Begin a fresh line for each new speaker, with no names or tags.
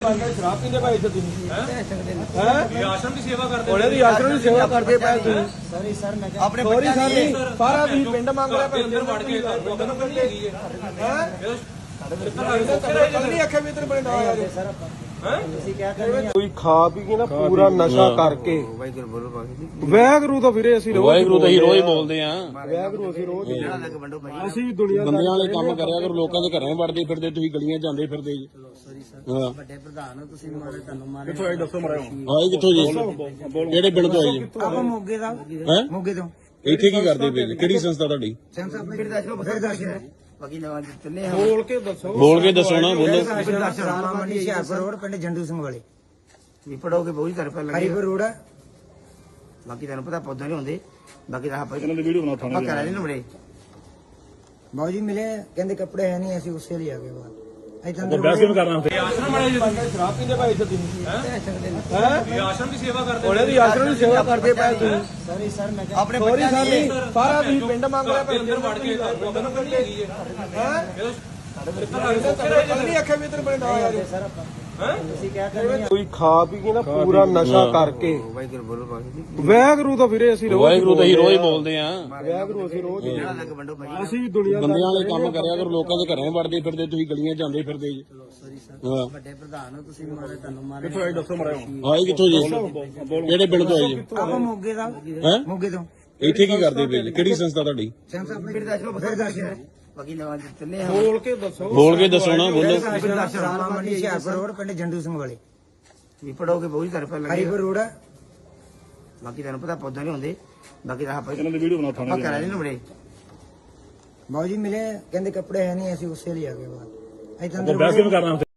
शराब पींदे भाई इधर तुम हैं
आश्रम की सेवा करते
ਉਹਨੇ ਦੀ ਆਸ਼ਰਮ ਦੀ ਸੇਵਾ ਕਰਦੇ ਪਏ ਤੁਸੀਂ
सॉरी सर मैं
ਆਪਣੇ ਬੱਚਿਆਂ ਦੀ ਸਾਰਾ ਤੁਸੀਂ ਪਿੰਡ ਮੰਗ ਰਿਹਾ
ਅੰਦਰ ਵੜ ਕੇ ਲੋਕਾਂ ਨੂੰ ਕੱਢੀ ਹੈਗੀ ਹੈ
ਨਹੀਂ ਅੱਖੇ ਵੀ ਤੇਰੇ ਬੜੇ ਨਾ ਆ ਜਾਓ
सर ਤੁਸੀਂ क्या कर रहे हैं
ਕੋਈ ਖਾ ਪੀ ਕੇ ਨਾ ਪੂਰਾ ਨਸ਼ਾ ਕਰਕੇ
वाहिगुरु बोलो बाकी
ਵੈਗਰੂ ਤਾਂ ਫਿਰੇ ਅਸੀਂ ਰੋਜ਼
ਵਾਹਿਗੁਰੂ ਤਾਂ ਹੀ ਰੋਜ਼ ਬੋਲਦੇ ਆ
ਵੈਗਰੂ ਅਸੀਂ ਰੋਜ਼ ਹੀ
अलग बंडो भाई
ਅਸੀਂ ਦੁਨੀਆ
ਬੰਦਿਆਂ ਵਾਲੇ ਕੰਮ ਕਰਿਆ ਕਰੋ, ਲੋਕਾਂ ਦੇ ਘਰਾਂ ਵੜਦੇ ਫਿਰਦੇ, ਤੁਸੀਂ ਗਲੀਆਂ ਜਾਂਦੇ ਫਿਰਦੇ ਜੀ।
सॉरी सर
ਹਾਂ
ਵੱਡੇ ਪ੍ਰਧਾਨ ਹੋ ਤੁਸੀਂ ਮਾਰੇ ਤੁਹਾਨੂੰ ਮਾਰੇ
ਕਿੱਥੋਂ ਆਏ ਦੱਸੋ ਮਰਾਓ
ਆਏ ਕਿੱਥੋਂ ਜੀ? ਕਿਹੜੇ ਪਿੰਡ ਤੋਂ ਆਏ ਜੀ?
ਆਪਾਂ ਮੋਗੇ ਦਾ
ਹੈ
ਮੋਗੇ ਤੋਂ
ਇੱਥੇ ਕੀ ਕਰਦੇ ਪਏ ਜੀ? ਕਿਹੜੀ ਸੰਸਥਾ ਤੁਹਾਡੀ?
ਸੈਂਸ ਆਪਣੇ ਬਿਰਦਾਸ਼ਰ ਬਾਕੀ ਨਵਾਂ ਚੱਲੇ ਹਾਂ
ਬੋਲ ਕੇ ਦੱਸੋ
ਬੋਲ ਕੇ ਦੱਸੋ ਨਾ, ਬੋਲੋ।
ਰਾਮਾ ਮੰਡੀ ਹਿਆਰਪੁਰ ਰੋਡ ਪਿੰਡ ਜੰਡੂ ਸਿੰਘ ਵਾਲੇ ਵੀ ਪੜੋਗੇ ਬਹੁਤ ਤਰ੍ਹਾਂ ਪਹਿਲਾਂ ਹਰੀਪੁਰ ਰੋਡ ਹੈ ਬਾਕੀ ਤੁਹਾਨੂੰ ਪਤਾ ਪੌਦਾ ਨਹੀਂ ਹੁੰਦੇ ਬਾਕੀ ਤਾਂ ਆਪਾਂ ਇਹਨਾਂ ਦੀ ਵੀਡੀਓ ਬਣਾ ਥਾਣੇ ਕਰਾ ਲੈਣ ਬੜੇ ਬਾਊ ਜੀ ਮਿਲੇ ਕਹਿੰਦੇ ਕੱਪੜੇ ਹੈ ਨਹੀਂ ਅਸੀਂ ਉਸੇ ਲਈ ਆ ਗਏ ਬਾਅਦ ਇੱਥੇ ਅੰਦਰ
ਆਸ਼ਰਮ ਵਾਲੇ
ਸ਼ਰਾਬ ਪੀਂਦੇ ਭਾਈ ਇੱਧਰ ਤੁਸੀਂ
ਹੈ ਆਸ਼ਰਮ ਦੀ ਸੇਵਾ ਕਰਦੇ
ਉਹਨੇ ਦੀ ਆਸ਼ਰਮ ਦੀ ਸੇਵਾ ਕਰਦੇ ਪਏ ਤੁਸੀਂ
ਸੌਰੀ ਸਰ ਮੈਂ
ਆਪਣੇ ਬੱਚਿਆਂ ਦੀ ਸਾਰਾ ਤੁਸੀਂ ਪਿੰਡ ਮੰਗ ਰਿਹਾ
ਅੰਦਰ ਵੜ ਕੇ ਲੋਕਾਂ ਨੂੰ ਕੱਢੀ ਹੈਗੀ ਹੈ
ਨਹੀਂ ਅੱਖੇ ਵੀ ਤੇਰੇ ਬੜੇ ਨਾ ਆ ਜਾਓ
ਸਰ ਆਪਾਂ ਤੁਸੀਂ क्या कर रहे हैं
ਕੋਈ ਖਾ ਪੀ ਕੇ ਨਾ ਪੂਰਾ ਨਸ਼ਾ ਕਰਕੇ
वाहिगुरु बोलो बाकी
ਵੈਗਰੂ ਤਾਂ ਫਿਰੇ ਅਸੀਂ ਰੋਜ਼
ਵਾਹਿਗੁਰੂ ਤਾਂ ਹੀ ਰੋਜ਼ ਬੋਲਦੇ ਆ
ਵੈਗਰੂ ਅਸੀਂ ਰੋਜ਼ ਹੀ
अलग बंडो भाई
ਅਸੀਂ ਦੁਨੀਆ
ਬੰਦਿਆਂ ਵਾਲੇ ਕੰਮ ਕਰਿਆ ਕਰੋ, ਲੋਕਾਂ ਦੇ ਘਰਾਂ ਵੜਦੇ ਫਿਰਦੇ, ਤੁਸੀਂ ਗਲੀਆਂ ਜਾਂਦੇ ਫਿਰਦੇ ਜੀ।
ਸੌਰੀ ਸਰ
ਹਾਂ
ਵੱਡੇ ਪ੍ਰਧਾਨ ਹੋ ਤੁਸੀਂ ਮਾਰੇ ਤੁਹਾਨੂੰ ਮਾਰੇ
ਕਿੱਥੋਂ ਆਏ ਦੱਸੋ ਮਰਾਓ
ਆਏ ਕਿੱਥੋਂ ਜੀ? ਕਿਹੜੇ ਪਿੰਡ ਤੋਂ ਆਏ ਜੀ?
ਆਪਾਂ ਮੋਗੇ ਦਾ
ਹੈ
ਮੋਗੇ ਤੋਂ
ਇੱਥੇ ਕੀ ਕਰਦੇ ਪਏ ਜੀ? ਕਿਹੜੀ ਸੰਸਥਾ ਤੁਹਾਡੀ?
ਸੈਂਸ ਆਪਣੇ ਬਿਰਦਾਸ਼ਰ ਬਾਕੀ ਨਵਾਂ ਚੱਲੇ ਹਾਂ
ਬੋਲ ਕੇ ਦੱਸੋ
ਬੋਲ ਕੇ ਦੱਸੋ ਨਾ, ਬੋਲੋ।
ਰਾਮਾ ਮੰਡੀ ਹਿਆਰਪੁਰ ਰੋਡ ਪਿੰਡ ਜੰਡੂ ਸਿੰਘ ਵਾਲੇ ਵੀ ਪੜੋਗੇ ਬਹੁਤ ਤਰ੍ਹਾਂ ਪਹਿਲਾਂ ਹਰੀਪੁਰ ਰੋਡ ਹੈ ਬਾਕੀ ਤੁਹਾਨੂੰ ਪਤਾ ਪੌਦਾ ਨਹੀਂ ਹੁੰਦੇ ਬਾਕੀ ਤਾਂ ਆਪਾਂ ਇਹਨਾਂ ਦੀ ਵੀਡੀਓ ਬਣਾ ਥਾਣੇ ਕਰਾ ਲੈਣ ਬੜੇ ਬਾਊ ਜੀ ਮਿਲੇ ਕਹਿੰਦੇ ਕੱਪੜੇ ਹੈ ਨਹੀਂ ਅਸੀਂ ਉਸੇ ਲਈ ਆ ਗਏ ਬਾਅਦ ਇੱਥੇ ਅੰਦਰ